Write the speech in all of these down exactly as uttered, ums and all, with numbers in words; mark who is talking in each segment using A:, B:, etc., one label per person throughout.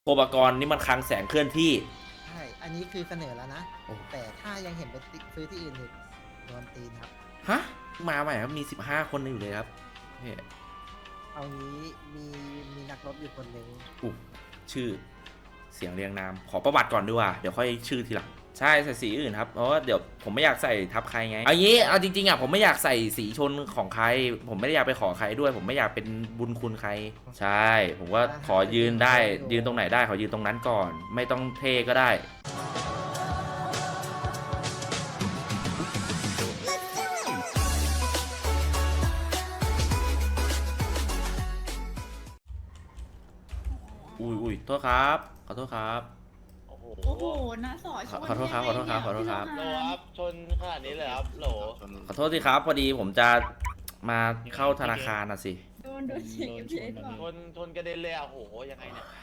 A: โคบากรนี่มันคลังแสงเคลื่อนที่
B: ใช่ อันนี้คือเสนอแล้วนะ
A: โอ้
B: แต่ถ้ายังเห็นไปซื้อที่อื่นอีกโดนตีนครับ
A: ฮะมาใหม่ครับมีสิบห้าคนอยู่เลยครับนี่
B: เอางี้มีมีนักรบอยู่คนหนึ่ง
A: อู้ชื่อเสียงเรียงนามขอประวัติก่อนดีกว่าเดี๋ยวค่อยชื่อทีหลังใช่ใส่สีอื่นครับเพราะว่าเดี๋ยวผมไม่อยากใส่ทับใครไงเอางี้เอาจริงๆอ่ะผมไม่อยากใส่สีชนของใคร ผมไม่ได้อยากไปขอใครด้วย ผมไม่อยากเป็นบุญคุณใคร ใช่ ผมว่าขอยืนได้ยืนตรงไหนได้ขอยืนตรงนั้นก่อน ไม่ต้องเท่ก็ได้อุ้ยอุ้ยโทษครับขอโทษครับ
C: โอ้โห
D: โอ้โหนะสอชน
A: ขอโทษครับขอโทษครับขอโทษครับ
C: โหลครับชนขนาดนี้เลยครับโหล
A: ขอโทษทีครับพอดีผมจะมาเข้าธนาคารน่ะสิ
D: โดนโดนเช็คเอฟเอส
C: ชนชนกระเด็นเลยอ่ะโหยังไงเนี่ย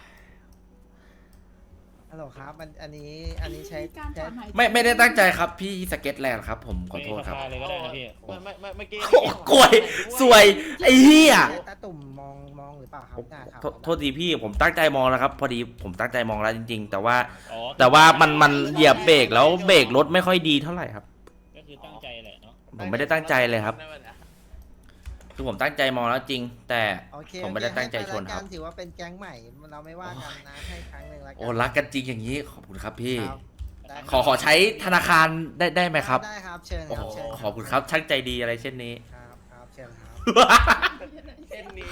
B: ฮัลโหลครับมันอันนี้อันนี้ใช้
D: การถ
B: ใช้
D: อนหายใจ
A: ไม่ไม่ได้ตั้งใจครับพี่สเก็ตแลนด์ครับผมขอโทษครับ
E: เลยก็ได้นะพี่
C: ไม่ไม่ไม่เมื่อกี้
A: โอ้กล้วยสวยไอ้เหี้ย
B: ใช้ตาตุ่มมองมองหรือเปล่าครับหน้าครับ
A: โทษโทษทีพี่ผมตั้งใจมองแล้วครับ พอดีผมตั้งใจมองแล้วจริง ๆ แต่ว่า
E: อ๋อ
A: แต่ว่ามันมันเหยียบเบรกแล้วเบรกรถไม่ค่อยดีเท่าไหร่ครับ
E: ก็คือตั้งใจแหละเนาะ
A: ผมไม่ได้ตั้งใจเลยครับคือผมตั้งใจมองแล้วจริง แต่
B: โอเค
A: ผมไม่ได้ตั้งใจชนครับ
B: ให้ไปละกันถือว่าเป็นแก๊งใหม่เราไม่ว่ากันนะให้ครั้งหนึ่งละกั
A: โอ้รักกันจริงอย่างนี้ขอบคุณครับพี่
B: ครับได้
A: ขอขอใช้ธนาคารได้ได้ไหมครับ
B: ได้ครับเชิญ
A: โอ้
B: ค
A: โห
B: รับเชิญ
A: ขอบคุณครับช่างใจดีอะไรเช่นนี้
B: ครับครับเชิญครับ
C: เส้นนี้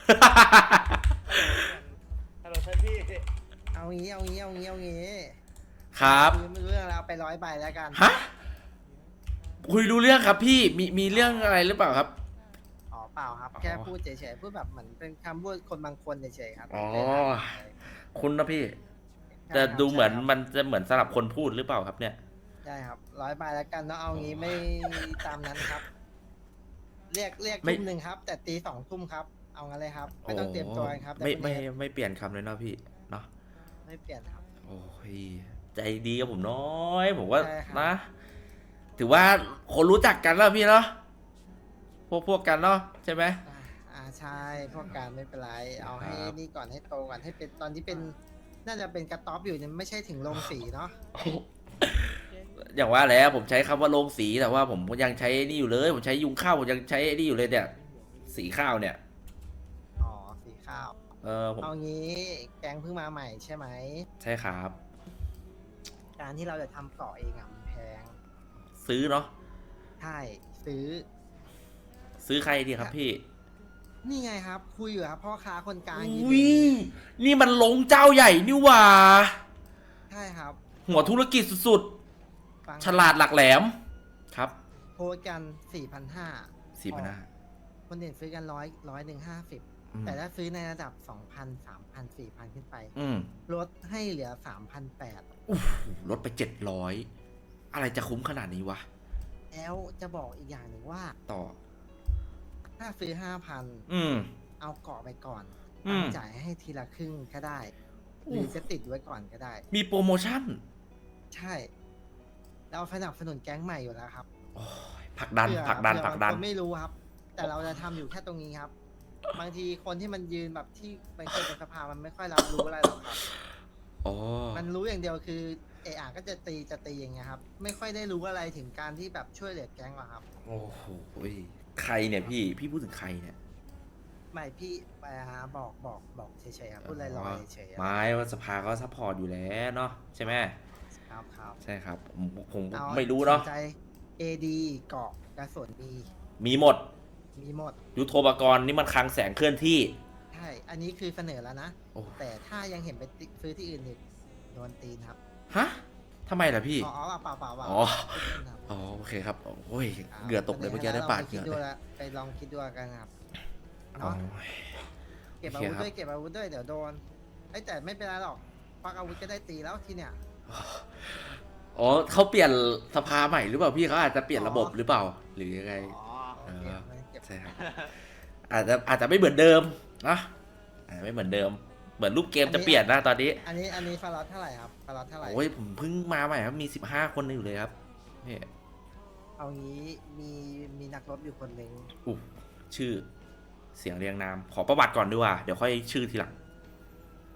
C: ฮัลโหลท่านพี่
B: เอางี้เอางี้เอางี้เอางี้
A: ครับ
B: ไม่รู้เรื่องแล้วเอาไปร้อยใบแล้วกัน
A: ฮะคุยรู้เรื่องครับพี่มีมีเรื่องอะไรหรือเปล่าครับ
B: อ๋อเปล่าครับ
A: อ๋อ
B: แค่พูดเฉยๆพูดแบบเหมือนเป็นคำพูดคนบางคนเฉยๆครับ
A: อ๋อ
B: ไม่ได้ทำอะไร
A: คุณนะพี่
B: ใช่
A: แต่
B: ครับ
A: ดูเหมือน
B: ใช่ครับ
A: มันจะเหมือนสลับคนพูดหรือเปล่าครับเนี่ย
B: ได้ครับร้อยใบแล้วกันเนาะเอางี้ไม่ตามนั้นครับ เรียกเรียก
A: ไม่
B: ทุ่มหนึ่งครับ แต่ตีสองทุ่มครับ เอางั้นเลยครับ ไม่ต้องเตรียมตัวกันครับ
A: ไม่
B: แต่
A: ไม่
B: พรุ่งนี้
A: ไม่เปลี่ยนคำเลยเนาะพี่เนาะ
B: ไม่เปลี่ยนครับ
A: โอ้ยใจดีกับผมน้อยผมว่า
B: ใช่ครับ
A: นะ ถือว่าคนรู้จักกันแล้วพี่เนาะพวกพวกกันเนาะใช่ไหม
B: อ่าอ่าใช่พวกการไม่เป็นไร เอาให้
A: ครับ
B: นี่ก่อนให้โตก่อนให้เป็นตอนที่เป็นน่าจะเป็นกระต๊อบอยู่เนี่ยไม่ใช่ถึงลงสีเนาะ
A: อย่างว่าแล้วผมใช้คำว่าโรงสีแต่ว่าผมยังใช้นี่อยู่เลย ผมใช้ยุงข้าวผมยังใช้นี่อยู่เลยเนี่ย สีข้าวเนี่ย
B: อ๋อสีข้าว
A: เออผม
B: เอางี้แกงเพิ่งมาใหม่ใช่ไหม
A: ใช่ครับ
B: การที่เราจะทำเกาะเองอะมันแพง
A: ซื้อเนาะ
B: ใช่ซื้อ
A: ซื้อใครดีครับพี่
B: นี่ไงครับ คุยอยู่ครับพ่อค้าคนกลาง
A: อ
B: ยืนุ
A: ้
B: อยู่
A: ยนี่มันลงเจ้าใหญ่นี่หว่า
B: ใช่ครับ
A: หัวธุรกิจสุด
B: ฟัง
A: ๆ ฉลาดหลักแหลม ครับ
B: โพสต์กันสี่พันห้า
A: สี่พันห้า
B: คนอื่นซื้อกันร้อยร้อยหนึ่งห้าสิบแต่ถ้าซื้อในระดับสองพันสามพันสี่พันขึ้นไป
A: อืม
B: ลดให้เหลือสามพันแปด
A: อู้หูลดไปเจ็ดร้อยอะไรจะคุ้มขนาดนี้วะ
B: แล้วจะบอกอีกอย่างหนึ่งว่า
A: ต่อ
B: ถ้าซื้อห้าพัน
A: อืม
B: เอาเกาะไปก่อน
A: อืม
B: จ่ายให้ทีละครึ่งก็ได้ หรือจะติดไว้ก่อนก็ได้
A: มีโปรโมชั่น
B: ใช่ เราสนับสนุนแก๊งใหม่อยู่แล้วครับ
A: โอ้ยผลักดัน
B: เผื่อ
A: ผลักดัน
B: เผื่อ
A: ผลักดัน
B: บางคนไม่รู้ครับ แต่เราจะทำอยู่แค่ตรงนี้ครับ บางทีคนที่มันยืนแบบที่มันเคยเป็นสภามันไม่ค่อยรับรู้อะไรหรอกครับ
A: อ๋อ
B: มันรู้อย่างเดียวคือเออก็จะตีจะตีอย่างเงี้ยครับ ไม่ค่อยได้รู้อะไรถึงการที่แบบช่วยเหลือแก๊งหรอกครับ
A: โอ้โหใครเนี่ยพี่ พี่พูดถึงใครเนี่ย
B: ไม่พี่ไปหาบอกบอกบอกเฉยๆครับพูดลอยๆเฉยๆครับ
A: ไม้ว่าสภาก็ซัพพอร์ตอยู่แล้วเนาะใช่ไหม
B: ครับครับ
A: ใช่ครับ ผมผม
B: เอา
A: ไม่รู้เนาะ
B: สใจ เอ ดี เกาะกระสุนมี
A: มีหมด
B: มีหมด
A: ยุทโธปกรณ์นี่มันคลังแสงเคลื่อนที่
B: ใช่ อันนี้คือเสนอแล้วนะ
A: โอ้
B: แต่ถ้ายังเห็นไปซื้อที่อื่นอีกโดนตีนครับ
A: ฮะทำไมล่ะพี่
B: อ๋อเปล่าเปล่าเปล่า
A: อ๋อ
B: พูดเล่นครับ
A: อ๋อโอเคครับโอ้ย
B: ครับ
A: เหงื่อตกเลยเมื่อกี้ได้ปาดเห
B: คิ
A: งื่อเลย
B: ดดูละไปลองคิดดูกันครับ
A: อ๋อ
B: เนาะเก็บ
A: โอ
B: อา
A: เค
B: วุธ
A: ครับ
B: ด้วยเก็บอาวุธด้วยเดี๋ยวโดนไอ้ยแต่ไม่เป็นไรหรอกควักอาวุธก็ได้ตีแล้วทีเนี้ย
A: อ๋อเขาเปลี่ยนสภาใหม่หรือเปล่าพี่เขาอาจจะเปลี่ยนระบบหรือเปล่า หรือยังไง
C: อ๋อ
B: โอเคไม่เก็บ
A: ใช่ครับ อาจจะอาจจะไม่เหมือนเดิมนะอาจจะไม่เหมือนเดิม เหมือนรูปเกมจะเปลี่ยนนะตอนนี้
B: อันนี้อันนี้ฟาร์ลอตเท่าไหร่ครับฟาร์ลอตเท่าไหร่
A: โอ้ยผมเพิ่งมาใหม่ครับมีสิบห้าคนอยู่เลยครับนี่
B: เอางี้มีมีนักรบอยู่คนหนึ่ง
A: อู้ชื่อเสียงเรียงนามขอประวัติก่อนดีกว่าเดี๋ยวค่อยชื่อทีหลัง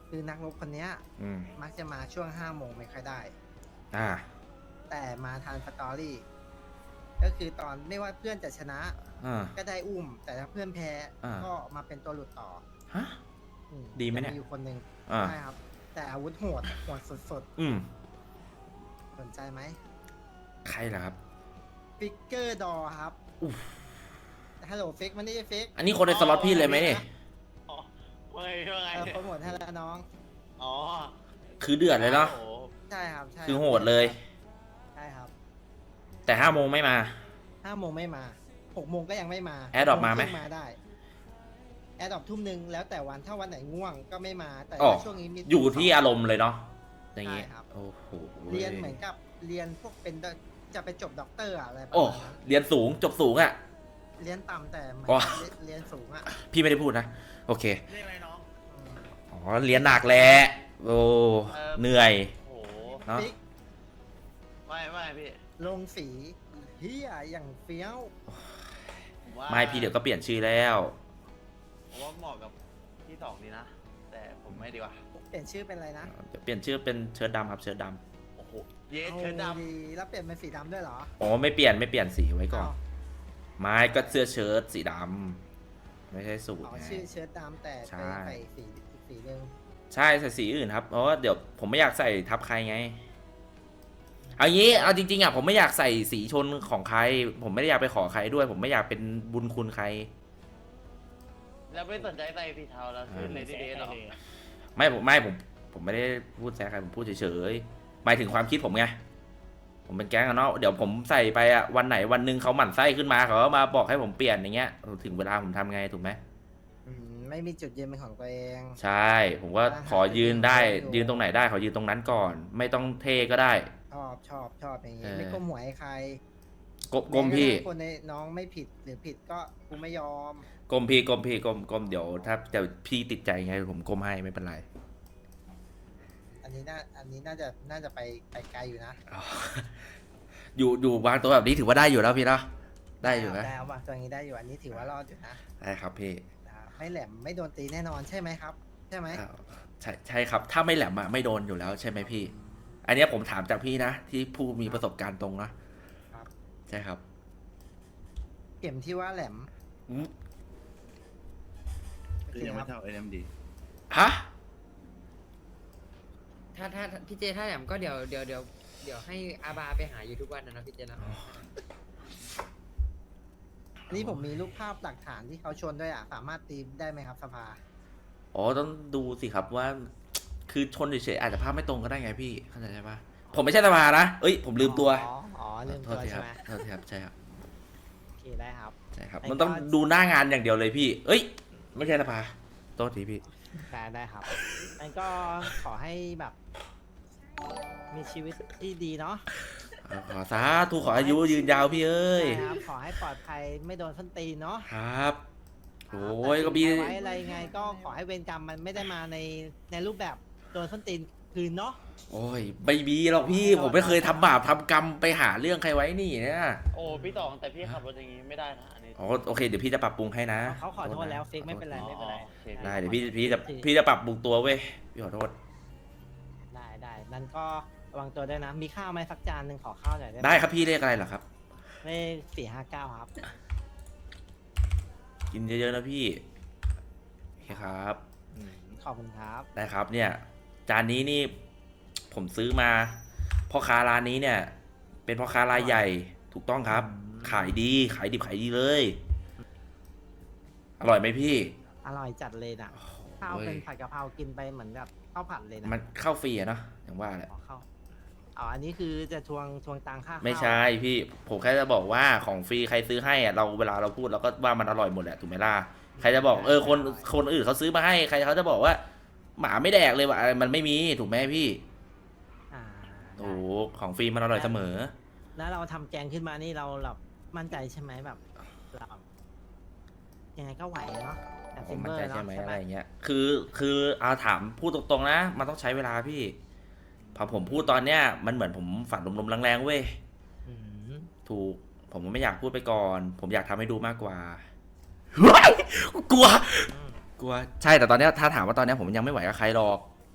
B: คือนักรบคนเนี้ย
A: อืม
B: มักจะมาช่วงห้าโมงไม่ค่อยได้
A: อ่า
B: แต่มาทันสตอรี่ก็คือตอนไม่ว่าเพื่อนจะชนะ
A: อ่า
B: ก็ได้อุ้ม แต่ถ้าเพื่อนแพ้
A: อ่า
B: ก็มาเป็นตัวหลุดต่อ
A: ฮะ
B: อื
A: ดีไหมเนี่ย
B: จะอยู่คนหนึ่ง
A: อ่า
B: ใช่ครับ แต่อาวุธโหดโหดสุด
A: อืม
B: ๆสนใจไหม
A: ใครล่ะครับ
B: ฟิกเกอร์ดอครับ
A: อุ๊ย
B: ฮัลโหลฟิกมันนี่ฟิก
A: อันนี้คนในสล็อตพี่เลยไหมเนี่ย
C: อ๋อว่าไงว่าไง
B: เออโปรโมทให้แล้วน้อง
C: อ๋อ
A: คือเดือดเลยเนาะ
C: โอ้โห
B: ใช่ครับใช่
A: คือโหดเลย
B: ใช่ครับ
A: แต่ห้าโมงไม่มา
B: ห้าโมงไม่มาหกโมงก็ยังไม่มา
A: แอร์ดรอปมาไหม
B: กโงครึ่งมาได้แอร์ดรอปทุ่มหนึ่งแล้วแต่วันถ้าวันไหนง่วงก็ไม่มา แต่
A: อ๋อ
B: ว่าช่วงนี้มี
A: อยู่ที่อารมณ์เลยเนาะ อย่างงี้
B: ใช่ครับ
A: โอ้โห
B: เรียนเหมือนกับเรียนพวกเป็นด็อกจะไปจบด็อกเตอร์อะอะไรประ
A: โอ้
B: มาณนั้น
A: เรียนสูง จบสูงอ่ะ
B: เรียนต่ำแต่เหมือน
A: อ๋อ
B: กับเรียนเรียนสูงอ่ะ
A: พี่ไม่ได้พูดนะ โอเค
C: เรียกอะไรน้อง
B: อืม
A: อ๋อ เรียนหนักแหละ โอ้
C: เออ
A: เหนื่อย
C: โอ้โห
A: เนาะ
B: ฟิก
C: ไม่ไม่พี่
B: ลงสีเฮียอย่างเฟี้ยว
C: ผมว่า
A: ไม่พี่เดี๋ยวก็เปลี่ยนชื่อแล้ว
C: ผมว่าเหมาะกับที่สองดีนะ แต่ผมไม่ดีกว่า
B: เปลี่ยนชื่อเป็นอะไรนะ
A: เดี๋ยวเปลี่ยนชื่อเป็นเชิ้ตดำครับ เชิ้ตด
C: โอ้โห เยสเชิญด
B: อาดีแล้วเปลี่ยนเป็นสีดำด้วยเหรอ
A: ำอ๋อ ไม่เปลี่ยน ไม่เปลี่ยนสีไว้ก่อน
B: อ้าว
A: ไม่ก็เสื้อเชิ้ตสีดำ ไม่ใช่สูท
B: อ๋อ
A: ไง
B: ชื่อเชิ้ตดำแต่
A: ใช่
B: ไปใส่สีอีกสีหนึ่ง
A: ใช่ใส่สีอื่นครับ เพราะว่าเดี๋ยวผมไม่อยากใส่ทับใครไง เอางี้ เอาจริงๆอ่ะผมไม่อยากใส่สีชนของใคร ผมไม่ได้อยากไปขอใครด้วย ผมไม่อยากเป็นบุญคุณใคร
C: ำแล้วไม่สนใจใส่สีเทาแล้วขึ้นเลยดีเดย์หรอ
A: ไม่ผมไม่ผมผมไม่ได้พูดแซะใครผมพูดเฉยๆหมายถึงความคิดผมไง ผมเป็นแก๊งอะเนาะเดี๋ยวผมใส่ไปอะวันไหนวันหนึ่งเขาหมั่นไส้ขึ้นมาเขาก็มาบอกให้ผมเปลี่ยนอย่างเงี้ยถึงเวลาผมทำไงถูกไหม
B: อืมไม่มีจุดยืนเป็นของตัวเอง
A: ใช่ ผมก็ขอยืนได้ ยืนตรงไหนได้ขอยืนตรงนั้นก่อน ไม่ต้องเท่ก็ได้
B: ชอบชอบชอบอย่างงี้
A: เออ
B: ไม่ก้มหัวให้ใคร
A: กลกลมพี่
B: แม้กระทั่งคนในน้องไม่ผิดหรือผิดก็กูไม่ยอม
A: กลมพี่กลมพี่กลมกลมเดี๋ยวถ้าเดี๋ยวพี่ติดใจไงผมกลมให้ไม่เป็นไร
B: อันนี้น่าอันนี้น่าจะน่าจะไปไปไกลอยู่นะ
A: อ๋ออยู่อยู่วางตัวแบบนี้ถือว่าได้อยู่แล้วพี่เนาะได้อยู่นะ
B: ได้เอาว่ะตัวนี้ได้อยู่อันนี้ถือว่ารอดอยู่นะ
A: ได้ครับพี่
B: นะครับไม่แหลมไม่โดนตีแน่นอนใช่ไหมครับ ใช่ไหม
A: อ้าวใช่ใช่ครับ ถ้าไม่แหลมอะไม่โดนอยู่แล้วใช่ไหมพี่ อันเนี้ยผมถามจากพี่นะ ที่ผู้มีประสบการณ์ตรงนะครับ ใช่ครับ
B: เข็มที่ว่าแหลม
A: อืม
B: โอ
F: คือ
B: เค
F: ยัง
B: ค
F: ไม่
B: รับ
F: เท่า เอ็ม ดี
A: ฮะ
G: ถ้าถ้าพี่เจถ้าแหลมก็เดี๋ยวเดี๋ยวเดี๋ยวเดี๋ยวให้อาบาไปหาอยู่ทุกวันนะนะพี่เจนะ
B: อันนี้ผมมีรูปภาพหลักฐานที่เขาชนด้วยอ่ะสามารถตีได้ไหมครับสภา
A: อ๋อต้องดูสิครับว่า คือชนเฉยๆอาจจะภาพไม่ตรงก็ได้ไงพี่เข้าใจใช่ปะผมไม่ใช่สภานะเอ้ยผมลืมตัว
B: อ๋ออ๋อลืม
A: โท
B: ตั
A: ษ
B: ว
A: ทีค
B: ใช่
A: รับ
B: ไหม
A: โทษทีครับใช่ครับ
B: โอเคได้ครับ
A: ใช่ครับ
B: ไอ้
A: มันต้อง
B: ก็
A: ดูหน้างานอย่างเดียวเลยพี่ เอ้ย ไม่ใช่สภาโทษทีพี่
B: ได้ได้ครับงั้นก็ขอให้แบบ มีชีวิตที่ดีเนาะ
A: เอาขอสาธุขออายุยืนยาวพี่เอ้ย
B: ใช่ครับขอให้ปลอดภัยไม่โดนส้นตีนเนาะ
A: ครับโอ้ย
B: แต่
A: ก็มี
B: ไว้อะไรไงก็ขอให้เวรกรรมมันไม่ได้มาในในรูปแบบโดนส้นตีนคืนเนาะ
A: โอ้ยไม่มีหรอกพี่ ผมไม่เคยทำบาปทำกรรมไปหาเรื่องใครไว้นี่เนี่ย
C: โอ้พี่ตองแต่พี่ขับรถอย่างนี้ไม่ได้นะอันนี้
A: อ๋อโอเคเดี๋ยวพี่จะปรับปรุงให้นะ
B: เขาขอโทษแล้วฟิกไม่เป็นไร
C: อ๋อ
B: ไม่เป็นไร
C: โอเค
A: ได้เดี๋ยวพี่พี่จะพี่จะปรับปรุงตัวเว้ยพี่ขอโทษ
B: ได้ได้นั่นก็ระวังตัวด้วยนะ มีข้าวไหมสักจานหนึ่งขอข้าวหน่อยได้ไหม
A: ได้ครับพี่เรียกอะไรเหรอครับ
B: เลขสี่ห้าเก้าครับ
A: กินเยอะๆนะพี่โอเคครับ
B: ขอบคุณครับ
A: ได้ครับเนี่ย จานนี้นี่ ผมซื้อมาพ่อค้าร้านนี้เนี่ย เป็นพ่อค้ารายใหญ่ถูกต้องครับ ขายดีขายดิบขายดีเลย อร่อยไหมพี่
B: อร่อยจัดเลยนะข้าว
A: โอ้ย
B: เป็นผัดกะเพรากินไปเหมือนแบบข้าวผัดเลยนะ
A: มันเข้าฟรีอะเนาะอย่างว่าแหละ
B: ขอข้าวอ๋ออันนี้คือจะทวงทวงตังค่าข้าว
A: ไม่ใช่พี่ ผมแค่จะบอกว่าของฟรีใครซื้อให้อะเราเวลาเราพูดเราก็ว่ามันอร่อยหมดแหละถูกไหมล่ะใครจะบอกเออคนคนอื่นเขาซื้อมาให้ใครเขาจะบอกว่า หมาไม่แดกเลยว่ะมันไม่มีถูกไหมพี่
B: อ่า
A: โอ้โหของฟรีมันอร่อยเสมอ
B: แล้วเราทำแกงขึ้นมานี่เราแบบมั่นใจใช่ไหมแบบเรายังไงก็ไหวเนาะแต่
A: ผ
B: ซิ
A: ม
B: ม
A: มั่
B: เบ
A: น
B: อ
A: ใจ
B: ร์
A: ใช่
B: เนาะ
A: ไหม
B: ใช่
A: อะ
B: ไหม
A: ไรอย่างเงี้ย คือคือเอาถามพูดตรงๆนะ มันต้องใช้เวลาพี่ พอผมพูดตอนเนี้ยมันเหมือนผมฝันลมๆแรงๆเว้ย
B: อืม
A: ถูก ผมไม่อยากพูดไปก่อน ผมอยากทำให้ดูมากกว่าเฮ้ยกลัว
B: อืม
A: กลัว ใช่แต่ตอนเนี้ยถ้าถามว่าตอนเนี้ยผมยังไม่ไหวกับใครหรอก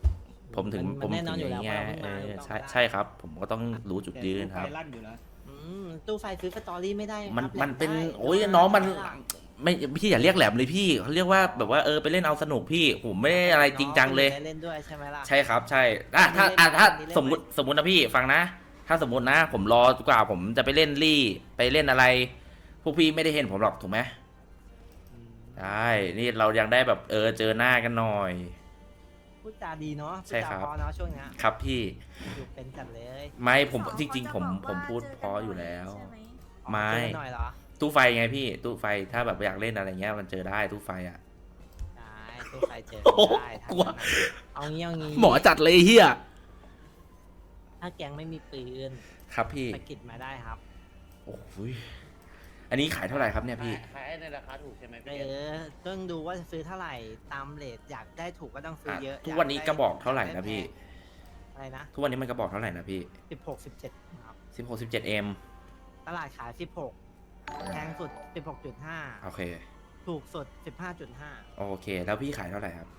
A: ผมถึง
B: มัน
A: ผม
B: แน่น
A: ถึ
B: อน
A: ง
B: อยู่
A: อ
B: แล้ว
A: ย่างเงี้ย
B: เพราะเราเพิ่ง
A: เอ
B: มา
A: อ
B: ถูกต้อง
A: ใช่
B: ปะ
A: ใช่ครับ ผมก็ต้องรู้จุดยืนครับ
E: ไฟลั่นอยู่นะ
B: อืมตู้ไฟซื้อสตอรี่ไม่ได้
A: มัน
B: ครับ
A: มันเป็น
B: แหลได้
A: โอ้ย
B: แต่ว่า
A: น้องมัน
B: ไม่ได้
A: ไม่พี่อย่าเรียกแหลมเลยพี่เขาเรียกว่าแบบว่าเออไปเล่นเอาสนุกพี่ผมไม่ได้อะไรจริงจังเลย
B: น้อได้เล่นด้วยใช่ไหมล่ะ
A: ใช่ครับใช่อ่ะถ้าอ่ะ
B: เล่น
A: ถ้า
B: เล่น
A: สมมติสมมตินะพี่ฟังนะ ถ้าสมมตินะ ผมรอกว่าผมจะไปเล่นลี่ไปเล่นอะไร พวกพี่ไม่ได้เห็นผมหรอกถูกไหม
B: อืม
A: ได้นี่เรายังได้แบบเออเจอหน้ากันหน่อย
B: พูดจาดีเนาะ
A: ใช่ครับ
B: พูดจาเพอเนาะช่วงเนี้ย
A: ครับพี่
B: อยู่เป็นจัดเลย
A: ไม่ผม
F: สอ
A: จริง ๆ ผม
F: เขาจะบอก
A: ผมพูด
F: ว่า
A: เพออยู่แล้ว
F: เจกันบ่อยใช่ห
A: ไม่
B: เจอกันหน่อยเหรอ
A: ตู้ไฟไงพี่ ตู้ไฟถ้าแบบอยากเล่นอะไรเงี้ยมันเจอได้ตู้ไฟอ่ะ
B: ได้ตู้ไฟเจอ
A: โอ้โห
B: ได้ถ้าก
A: ลัว
B: งั้นน่ะเอางี้เอางี้
A: หมอจัดเลยเฮีย
B: ถ้าแก๊งไม่มีปืน
A: ครับพี่
B: ไปกิดมาได้ครับ
A: โอ้ยอันนี้ขายเท่าไหร่ครับเนี่ยพี่
C: ขายในราคาถูกใช่ไหม
B: เอ
C: พี่เกต
B: อต้องดูว่าจะซื้อเท่าไหร่ตามเรทอยากได้ถูกก็ต้องซื้อ
A: อ่ะ
B: เยอะ
A: ทุกวันนี้
B: ยได้
A: กระบอกเท่าไหร่นะพี่
B: อะไรนะ
A: ทุกวันนี้มันกระบอกเท่าไหร่นะพี่
B: สิบหกสิบเจ็ดครับ
A: สิบหกสิบเจ็ดเอ็ม
B: ตลาดขายสิบหกแพงสุดสิบหกจุดห้า
A: โอเค
B: ถูกสุดสิบห้าจุดห้า
A: โอเค แล้วพี่ขายเท่าไหร่ครับ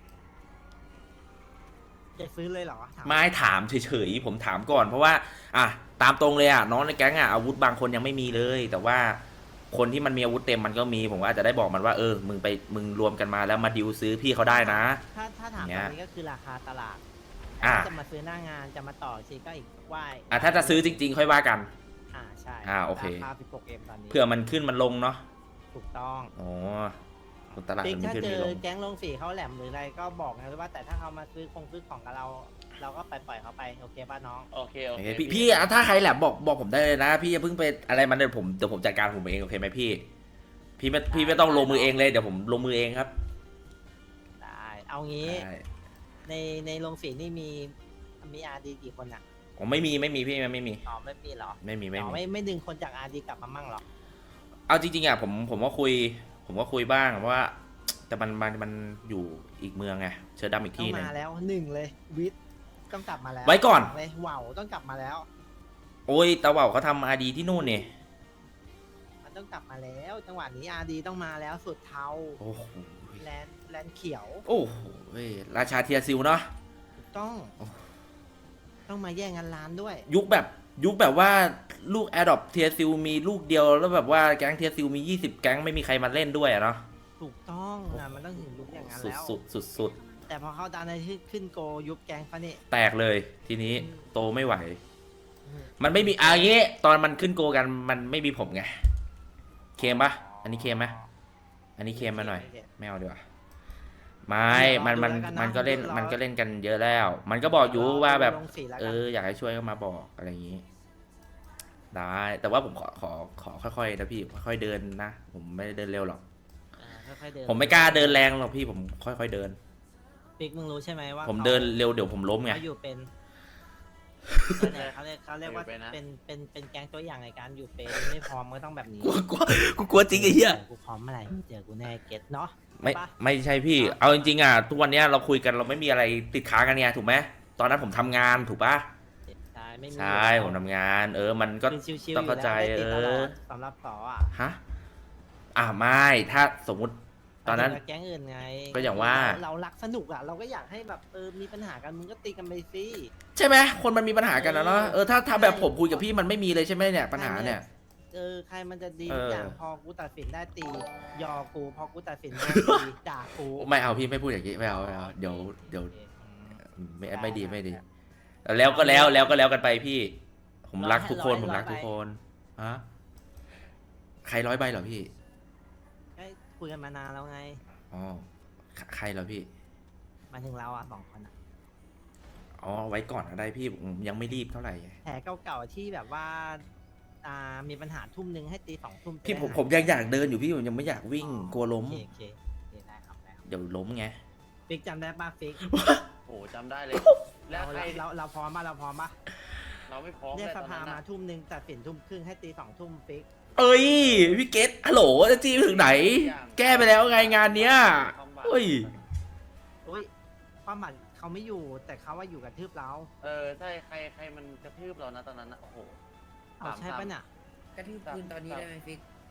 B: จะซื้อเลยเหรอถาม
A: ไม่ถามเฉยๆ ผมถามก่อนเพราะว่า อ่ะ ตามตรงเลยอ่ะ น้องในแก๊งอ่ะ อาวุธบางคนยังไม่มีเลย แต่ว่าคนที่มันมีอาวุธเต็มมันก็มี ผมก็อาจจะได้บอกมันว่า เออ มึงไป มึงรวมกันมาแล้วมาดิวซื้อพี่เขาได้นะ
B: ถ้าถ้าถาม
A: อย่างเงี้
B: ต
A: ย
B: รงนี้ก็คือราคาตลาด
A: อ่ะ
B: ถ้าจะมาซื้อหน้างานจะมาต่อชีก็อีกว่า
A: อ่ะ ถ้าจะซื้อจริงๆ ค่อยว่ากัน
B: อ่าใช่
A: อ่าโอเค
B: ราคาสิบหกเอ็มตอนนี้
A: เผื่อมันขึ้นมันลงเนาะ
B: ถูกต้อง
A: อ๋อตลาด
B: ปิ๊ก
A: มันไม่
B: ถ้า
A: ขึ้น
B: เจ
A: ไม่
B: อ
A: ลง
B: แก๊งลงสีเขาแหลมหรืออะไรก็บอกนะว่าแต่ถ้าเขามาซื้อคงซื้อของกับเรา เราก็ไปปล่อยเขาไปโอเคป่ะน้อง
C: โอเคโอ
A: โอ
C: เค
A: เคพี่พี่อ่ะถ้าใครแหลมบอกบอกผมได้เลยนะ พี่อย่าเพิ่งไปอะไรมันเดี๋ยวผมเดี๋ยวผมจัดการผมเองโอเคไหมพี่ พี่ไม่พี่ไม่ต้องลงมือเองเลยเดี๋ยวผมลงมือเองครับ
B: ได้ เอางี้
A: ได้
B: ในในโรงสีนี่มีมีอาร์ดีกี่คนอ่ะ
A: ผมไม่มีไม่มีพี่ไม่มี
B: อ๋อไม่มีเหรอ
A: ไม่มีไม่
B: อ๋อ
A: มี
B: ไม่ไม่ดึงคนจากอาร์ดีกลับมามั่งเหรอ
A: เอาจริงๆอ่ะผมผมก็คุย ผมก็คุยบ้างเพราะว่า แต่มันมันมันอยู่อีกเมืองไงเชิญดำอีก
B: ต้อ
A: ที่
B: ง
A: หนึง
B: มาแล้วหนึ่งเลยวิทย์ต้องกลับมาแล้ว
A: ไว้ก่อน
B: เลยว่าวต้องกลับมาแล้ว
A: โอ้ยตาเว่าเขาทำอาดีที่นู่นนี่
B: มันต้องกลับมาแล้ว จังหวะนี้อาร์ดีต้องมาแล้วสุดเทา
A: โอ้โห
B: แลนด์แลนด์เขียว
A: โอ้โหเว้ยราชาเทียซิลเนาะ
B: ถูกต้อง
A: โอ้
B: ต้องมาแย่งกันร้านด้วย
A: ยุคแบบยุคแบบว่าลูกแอดดอปเทียซิลมีลูกเดียวแล้วแบบว่าแก๊งเทียซิลมียี่สิบแก๊งไม่มีใครมาเล่นด้วยอะเนาะ
B: ถูกต้องอ่ะมันต้องถึงยุคอย่างนั้น
A: สุด
B: แล้ว
A: สุดสุดสุด
B: แต่พอเขาดันในที่ขึ้นโกยุบแกงเขานี่
A: แตกเลยทีนี้
B: อืม
A: โตไม่ไหว
B: อืม
A: มันไม่มีอะอย่างงี้ตอนมันขึ้นโกกันมันไม่มีผมไงเคมปะอันนี้เคมไหมอันนี้เคมมาหน่อยไม่เอาดีกว่าไม่มันมันมันก็เล่นมันก็เล่นกันเยอะแล้ว มันก็บอกอยู่ว่าแบบ
B: ลงสีแล้ว
A: เอ
B: กัน
A: ออยากให้ช่วยก็มาบอกอะไรอย่างนี้ ได้แต่ว่าผมขอขอขอค่อยๆนะพี่ค่อยๆเดินนะผมไม่ได้เดินเร็วหรอก
B: อ่าค่อยๆเดิน
A: ผมไม่กล้าเดินแรงหรอกพี่ผมค่อยๆเดิน
B: ปิ๊กมึงรู้ใช่ไหมว่า
A: ผม
B: ขา
A: เดินเร็วเดี๋ยวผมล้มไง
B: เขาอยู่เป็นนั่นแหละเขาเรียกเขาเรียกว่าเป็นเป็นเป็นแก๊งตัวอย่างในการอยู่เป็นไม่พร้อมก็ต้องแบบนี้
A: กลัวกลัวกูกลัวจริงไอ้เหี้ย
B: กูพร้อมเมื่อไหร่เจอกูแน่เก็ตเนาะ
A: ไม่
B: ปะ
A: ไม่ใช่พี่ เอาจริงๆอ่ะทุกวันเนี้ยเราคุยกันเราไม่มีอะไรติดค้างกันไงถูกไหมตอนนั้นผมทำงานถูกปะ
B: ใช่ไม่มี
A: ใช่ผมทำงาน เออมันก็
B: เป็นชิวๆ
A: ต้องเข้าใจ
B: ยู่แล้วไม่ติดตล
A: เออ
B: อดสำหรับต่ออ่ะ
A: ฮะอ่าไม่ถ้าสมมุติตอนนั้น
B: เาถึงกับแก๊งอื่นไง
A: ก็อย่างว่า
B: เรเรารักสนุกอ่ะเราก็อยากให้แบบเออมีปัญหากันมึงก็ตีกันไปสิ
A: ใช่ไหมคนมันมีปัญหากันนะเนาะเออถ้าถ้าแบบผมคุยกับพี่มันไม่มีเลยใช่ไหมเนี่ยปัญหาเนี่ย
B: เออใครมันจะดี
A: เออ
B: ทุกอย่างพอกูตัดสินได้ตี ยอกูพอกูตัดสินโดนตีด่ากู
A: ไม่เอาพี่ไม่พูดอย่างนี้ไม่เอาไม่เอาเดี๋ยวเดี๋ยว
B: โอคอืม
A: ไม่ไม่ดีไม่ดี แล้วก็แล้วแล้วก็แล้วกันไปพี่ ผมรักทุกคน
B: ร้อย
A: ผมรัก
B: ร้อย
A: ทุกคนฮะใครร้อยใบเหรอพี่
B: ก็คุยกันมานานแล้วไง
A: อ๋อใครใครเหรอพี่
B: หมายถึงเราอ่ะสองคนอ่ะ
A: อ๋อไว้ก่อนก็ได้พี่ผมยังไม่รีบเท่าไหร่
B: แผลเก่าๆที่แบบว่าอ่ามีปัญหาทุ่มหนึ่งให้ตีสองทุ่ม
A: พี่ผม
B: จะได้
A: ผมยังอยากเดินอยู่พี่ผมยังไม่อยากวิ่ง
B: อ๋อก
A: ลัวล้ม
B: โอเคโอเคโอเคได้ครับได้ครับ
A: เดี๋ยวล้มไง
B: ฟิกจำได้ป่ะฟิก
C: โอ้จำได้เลย แล้
B: เรา
C: วใคร
B: เราเราเราพร้อมป่ะเราพร้อมป่ะ
C: เราไม่พร้อม
B: เรียก
C: เลย
B: ส
C: ตอน
B: ภา
C: นั้น
B: มา
C: นะ
B: ทุ่มหนึ่งตัดสินทุ่มครึ่งให้ตีสองทุ่มฟิก
A: เอ้ยพี่เกตฮัลโหลจะจี้ไปถึงไหน แก้ไปแล้วไงงานเนี้ยเฮ้ย
B: อุ้ยความหมายเขาไม่อยู่แต่เขาว่าอยู่กับทืบเรา
C: เออใช่ใครใครมันกระทืบเรานะตอนนั้นนะโอ้โห
B: เอาใช่ปะเนี่ย
G: กระทืบปืนตอนนี้ได้ไหมฟิก
C: ไ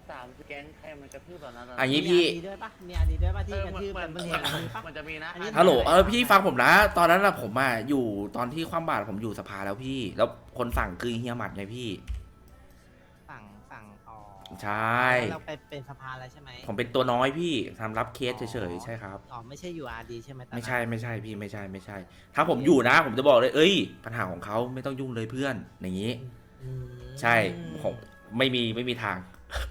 C: สามแก๊งใครมันกระทืบตอนนั้นอะ
A: อันนี้
B: มี
A: พี่
B: อาดีด้วยปะมีอาดีด้วยปะที่
C: เออก
B: ระ
C: มัน
B: ทืบ
C: มั
B: กัน นบนเห
C: มั
B: ตุ
C: น
B: มีปะ
C: มันจะมีนะ
B: อันนี้
A: ฮัลโหลเออพี่ฟังผมนะ ตอนนั้นอะผมอะอยู่ตอนที่ความบาดผมอยู่สภาแล้วพี่ แล้วคนสั่งคือเฮียหมัดไงพี่
B: สั่งสั่งอ๋อ
A: ใช่
B: เราไปเป็นสภาแล้วใช่ไหม
A: ผมเป็นตัวน้อยพี่ทำรับเคสเฉยๆใช่ครับ
B: อ๋อไม่ใช่อยู่อาดีใช่ไหมตอนนั้น
A: ไม่ใช่ไม่ใช่พี่ไม่ใช่ไม่ใช่ ถ้าผมอยู่นะ ผมจะบอกเลย เอ้ย ปัญหาของเขาไม่ต้องยุ่งเลยเพื่อน อย่างนี้
B: อืม
A: ใช่ผมไม่มีไม่มีทาง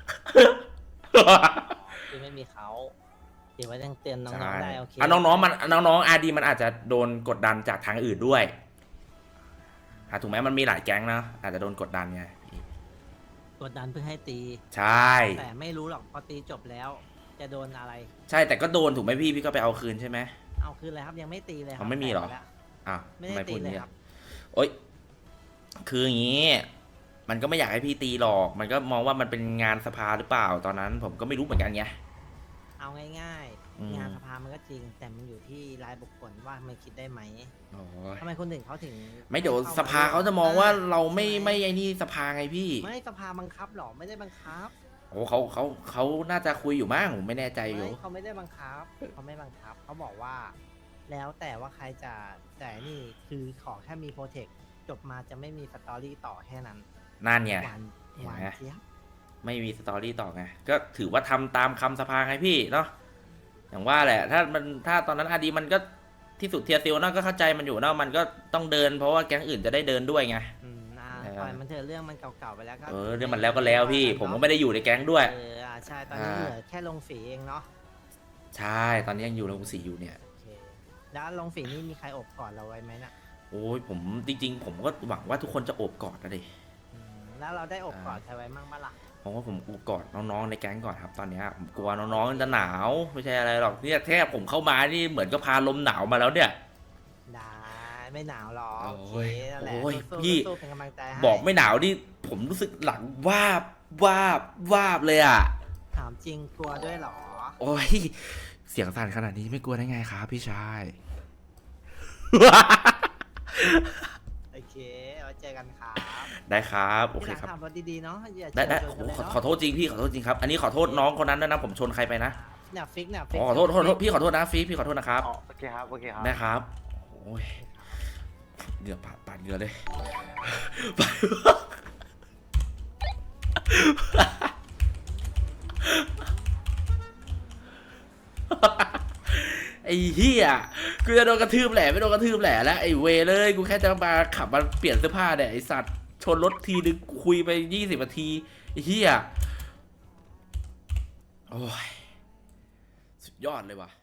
B: คือไม่มีเขาเดี๋ยวไว้ยังเตือนน้อง
A: ใช่
B: ๆได้โอเค
A: อ่ะน้องๆมันน้องๆอาดีมันอาจจะโดนกดดันจากทางอื่นด้วยอ่ะถูกไหมมันมีหลายแก๊งนะอาจจะโดนกดดันไง
B: กดดันเพื่อให้ตี
A: ใช่
B: แต่ไม่รู้หรอกพอตีจบแล้ว จะโดนอะไร
A: ใช่แต่ก็โดนถูกไหมพี่พี่ก็ไปเอาคืนใช่ไหม
B: เอาคืนเลยครับยังไม่ตีเลยครั
A: อ๋อไม่มีเหรอ
B: แตกปแล้ว
A: อ้าว
B: ไม่
A: ทำ
B: ได้
A: ไม
B: ตี
A: พูดอ
B: เล
A: ย่าง
B: ย
A: นี้
B: ครับ
A: โอ๊ยคืออย่างนี้ มันก็ไม่อยากให้พี่ตีหรอก มันก็มองว่ามันเป็นงานสภาหรือเปล่าตอนนั้น ผมก็ไม่รู้เหมือนกันไง
B: เอาง่าย
A: อืม
B: ๆงานสภามันก็จริง แต่มันอยู่ที่รายบุคคลว่ามันคิดได้ไหม
A: โอ้ย
B: ทำไมคนอื่นเขาถึง
A: ไม่เดี๋ยว
B: ข้
A: สภาเขาจะมองว่าเราไม่
B: ใช่ห
A: ไม่ไอ้นี่สภาไงพี่
B: ไม่สภาบังคับหรอไม่ได้บังคับ
A: โอ้เขาเขาเขาน่าจะคุยอยู่มั้งผมไม่แน่ใจอยู่
B: ไม่เขาไม่ได้บังคับเขาไม่บังคับเขาบอกว่า แล้วแต่ว่าใครจะแต่นี่คือขอแค่มีโปรเทคจบมาจะไม่มีสตอรี่ต่อแค่นั้น
A: นั่นไง
B: หวาน
A: เห็น
B: หวาน
A: ไหม
B: เจี๊ยบ
A: ไม่มีสตอรี่ต่อไง ก็ถือว่าทำตามคำสภาไงพี่เนาะ อย่างว่าแหละ ถ้ามันถ้าตอนนั้นอาดีมันก็ที่สุดเทียร์ซิลเนาะก็เข้าใจมันอยู่เนาะมันก็ต้องเดินเพราะว่าแก๊งอื่นจะได้เดินด้วยไง
B: อืมอ่า
A: เออ
B: ปล่อยมันเถอะเรื่องมันเก่าๆไปแล้วก็
A: เออเรื่องมันแล้วก็แล้วพี่ ผมก็ไม่ได้อยู่ในแก๊งด้วย
B: เอออ่าใช่ตอนนี้
A: อ่า
B: เหลือแค่ลงฝีเองเนาะ
A: ใช่ ตอนนี้ยังอยู่โรงสีอยู่เนี่ย
B: โอเคแล้วลงฝีนี่มีใครอบกอดเราไว้ไหมน่ะ
A: โอ้ยผมจริง ๆ ผมก็หวังว่าทุกคนจะโอบกอดนะดิ
B: อืมแล้วเราได้อบกอด
A: อ่า
B: ใครไว้มั่งบ้างล่ะ
A: ผมว่าผมโอบกอดน้องๆในแก๊งก่อนครับ ตอนเนี้ยผมกลัวน้องๆจะหนาวไม่ใช่อะไรหรอกเนี่ยแค่ผมเข้ามานี่เหมือนก็พาลมหนาวมาแล้วเนี่ย
B: ได้ไม่หนาวหรอก
A: โอ้ย
B: โอเคนั่นแหละ
A: โอ้ย
B: สู้ๆ
A: พี่
B: สู้ๆเป็นกำลังใจให้
A: บอกไม่หนาวนี่ผมรู้สึกหลังวาบวาบวาบเลยอ่ะ
B: ถามจริงกลัวด้วยเหรอ
A: โอ้ยเสียงสั่นขนาดนี้ไม่กลัวได้ไงครับพี่ชาย
B: โอเคไว้เจอกันครับ
A: ได้ครับโอเค
B: ที่หลัง
A: ครับ
B: ขับรถดีๆเนาะอย่า
A: ได้ได้
B: ชน
A: โอ้โห
B: กันเลย
A: ขอ
B: เนาะ
A: ขอโทษจริงพี่ขอโทษจริงครับอันนี้ขอโทษน้องคนนั้นด้วยนะผมชนใครไปนะ
B: เนี่ยฟิกเนี่ย
A: อ๋อขอโทษขอโทษพี่ขอโทษนะฟีพี่ขอโทษนะครับ
C: อ๋อโอเคครับโอเคครับ
A: ได้ครับโอ้ยเหงื่อปาดปาดเหงื่อเลย ไอ้เหี้ยกูจะโดนกระทืบแหละไม่โดนกระทืบแหละแล้วไอ้เวเลยกูแค่จะมาขับมาเปลี่ยนเสื้อผ้าเนี่ยไอ้สัตว์ชนรถทีนึงคุยไปยี่สิบนาทีไอ้เหี้ยโอ้ยสุดยอดเลยว่ะ